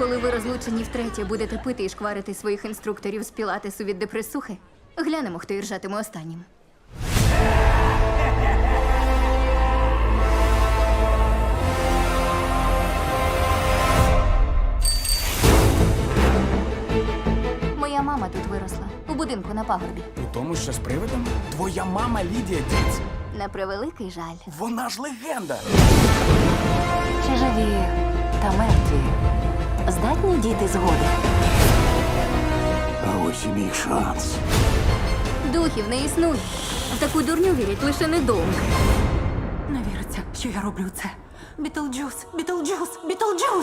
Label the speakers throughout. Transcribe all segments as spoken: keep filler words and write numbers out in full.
Speaker 1: Коли ви розлучені втретє будете пити і шкварити своїх інструкторів з пілатесу від депресухи, глянемо, хто іржатиме останнім. Моя мама тут виросла, у будинку на пагорбі.
Speaker 2: У тому, що з привидом? Твоя мама Лідія Діц.
Speaker 1: На превеликий жаль.
Speaker 2: Вона ж легенда.
Speaker 3: Чи живі та мертві здатні діти згоди?
Speaker 4: А ось і мій шанс.
Speaker 1: Духів не існує. В таку дурню вірять лише недовго.
Speaker 3: Не віриться, що я роблю це. Бітлджус, Бітлджус, Бітлджус!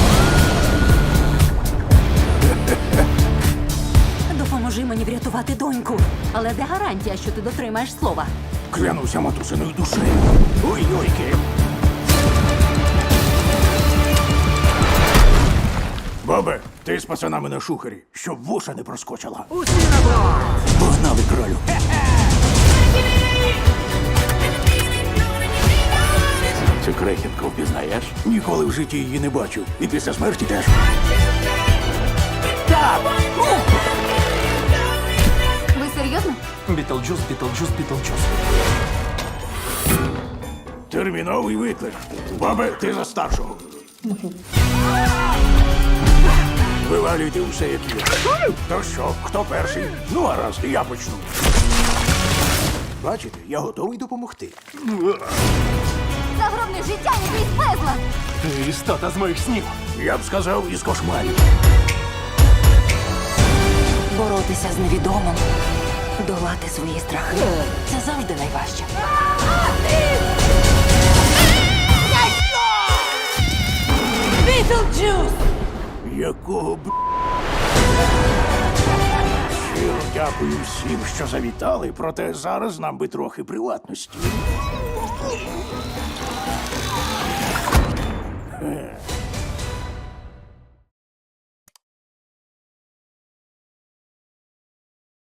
Speaker 3: Допоможи мені врятувати доньку. Але де гарантія, що ти дотримаєш слова?
Speaker 4: Клянуся матусиною душею. Ой-йойки. Бабе, ти з пацанами на шухері, щоб вуша не проскочила.
Speaker 2: Усі на борт!
Speaker 4: Погнали, кролю. Цю крехітку впізнаєш? Ніколи в житті її не бачив. І після смерті теж. Так!
Speaker 1: Ви серйозно?
Speaker 2: Бітлджус, Бітлджус, Бітлджус.
Speaker 4: Терміновий виклик. Бабе, ти за старшого. Вивалюйте усе, як є. То що, хто перший? Ну, гаразд, я почну. Бачите, я готовий допомогти.
Speaker 1: Загробне життя якийсь безлад!
Speaker 2: Ти істота з моїх снів.
Speaker 4: Я б сказав, із кошмарів.
Speaker 3: Боротися з невідомим, долати свої страхи. Це завжди найважче. Бітлджус!
Speaker 4: Якого б... Щиро дякую всім, що завітали, проте зараз нам би трохи приватності.